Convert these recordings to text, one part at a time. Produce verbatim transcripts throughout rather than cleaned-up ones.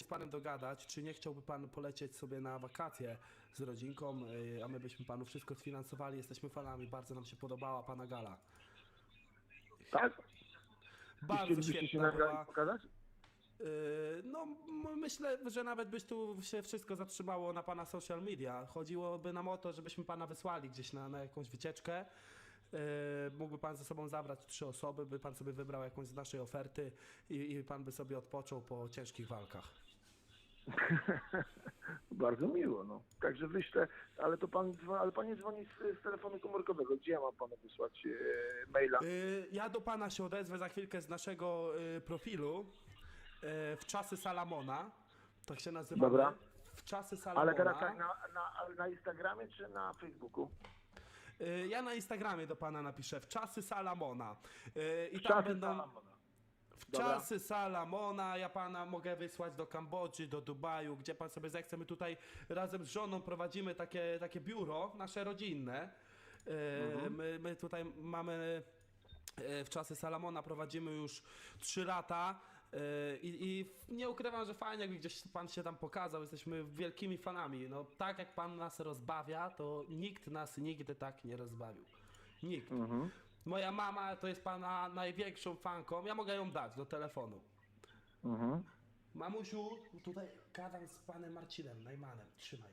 z panem dogadać, czy nie chciałby pan polecieć sobie na wakacje z rodzinką, y, a my byśmy panu wszystko sfinansowali. Jesteśmy fanami, bardzo nam się podobała pana gala. Tak? I Bardzo chcielibyście się świetna nagrać była. pokazać? Yy, No, m- myślę, że nawet byś tu się wszystko zatrzymało na pana social media. Chodziłoby nam o to, żebyśmy pana wysłali gdzieś na, na jakąś wycieczkę. Yy, mógłby pan ze sobą zabrać trzy osoby, by pan sobie wybrał jakąś z naszej oferty i, i pan by sobie odpoczął po ciężkich walkach. Bardzo miło, no. Także wyślę, ale to pan, dzwo- ale pan nie dzwoni z, z telefonu komórkowego. Gdzie ja mam panu wysłać e, maila? Yy, Ja do pana się odezwę za chwilkę z naszego yy, profilu yy, w czasy Salamona. Tak się nazywamy. Dobra. W czasy Salamona. Ale teraz tak, na, na, na Instagramie czy na Facebooku? Y, Ja na Instagramie do pana napiszę w czasy Salamona. Y, I tam Czasy będą Salamona. w Dobra. czasy Salamona. Ja pana mogę wysłać do Kambodży, do Dubaju, gdzie pan sobie zechce. My tutaj razem z żoną prowadzimy takie, takie biuro nasze rodzinne. Y, My, my tutaj mamy y, w czasy Salamona prowadzimy już trzy lata. Y, I, I nie ukrywam, że fajnie, jakby gdzieś pan się tam pokazał. Jesteśmy wielkimi fanami. No, tak jak pan nas rozbawia, to nikt nas nigdy tak nie rozbawił. Nikt. Moja mama to jest pana największą fanką. Ja mogę ją dać do telefonu. Mhm. Mamusiu, tutaj gadam z panem Marcinem, Najmanem. Trzymaj.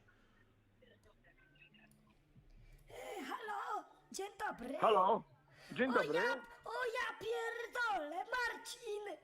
Halo, dzień dobry. Halo, dzień O dobry. ja, o ja pierdolę, Marcin.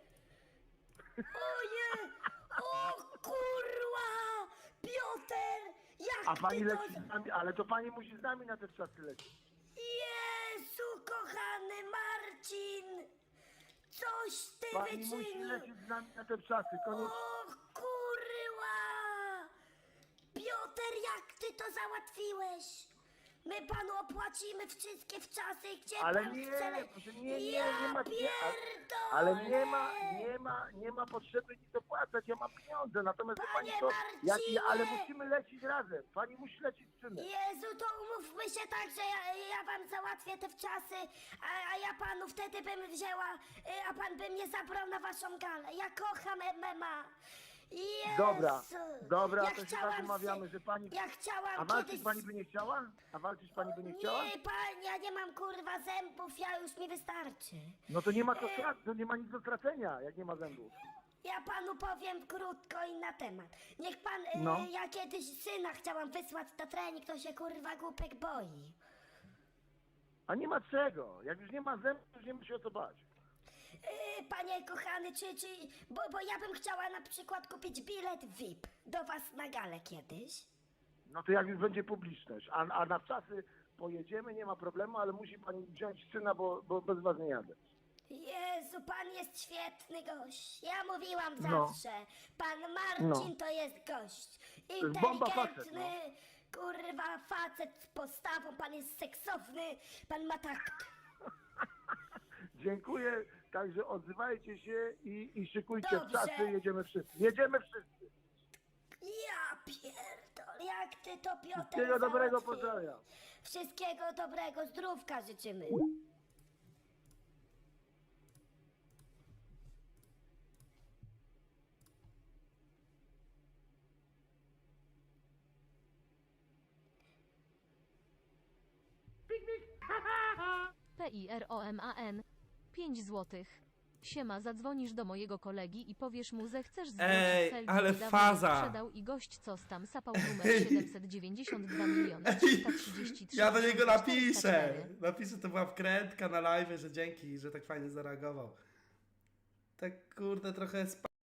Oje, o kurwa, Piotr, jak A pani ty to... leci z nami, ale to pani musi z nami na te czasy lecieć. Jezu, kochany Marcin, coś ty Pani musi wyczynił. lecieć z nami na te czasy, koniecznie. O kurwa! Piotr, jak ty to załatwiłeś? My panu opłacimy wszystkie wczasy, gdzie Ale pan nie, chce. le- proszę, nie, nie, ja nie ma, nie, pierdolę! ale nie ma, nie ma, nie ma potrzeby nic opłacać, ja mam pieniądze, natomiast wie pani Panie co, jak, Marcinie! ale musimy lecieć razem, pani musi lecieć z synem. Jezu, to umówmy się tak, że ja, ja wam załatwię te wczasy, a, a ja panu wtedy bym wzięła, y, a pan by mnie zabrał na waszą galę. Ja kocham M M A. Jezu. Dobra, dobra, ja to się chciałam tak umawiamy, się- że pani... Ja chciałam A walczyć kiedyś... pani by nie chciała? A walczyć pani by nie chciała? Nie, pan, ja nie mam kurwa zębów, ja już mi wystarczy. No to nie ma co stracać, to nie ma nic do stracenia, jak nie ma zębów. Ja panu powiem krótko i na temat. Niech pan, y, No. ja kiedyś syna chciałam wysłać na trening, to się kurwa głupek boi. A nie ma czego, jak już nie ma zębów, to już nie ma się o co bać. Yy, panie kochany, czy, czy, bo, bo ja bym chciała na przykład kupić bilet V I P do was na galę kiedyś. No to jak już będzie publiczność, a, a na czasy pojedziemy, nie ma problemu, ale musi pani wziąć syna, bo, bo bez was nie jadę. Jezu, pan jest świetny gość. Ja mówiłam No. zawsze, pan Marcin No. to jest gość. jest bomba facet, Inteligentny, no. kurwa facet z postawą, pan jest seksowny, pan ma takt. Dziękuję, także odzywajcie się i, i szykujcie w Dobrze. czasy, jedziemy wszyscy. Jedziemy wszyscy. Ja pierdol, jak ty to Piotr Wszystkiego dobrego załatwił. pozdrawiam. Wszystkiego dobrego, zdrówka życzymy. P I R O M A N. pięć złotych. Siema, zadzwonisz do mojego kolegi i powiesz mu, że chcesz zwrócić Ej, Selgi ale niedawno faza. sprzedał i gość co tam sapał numer siedemset dziewięćdziesiąt dwa miliony trzysta trzydzieści trzy Ja do niego czterysta napiszę. cztery. Napiszę, to była wkrętka na live, że dzięki, że tak fajnie zareagował. Tak kurde trochę spa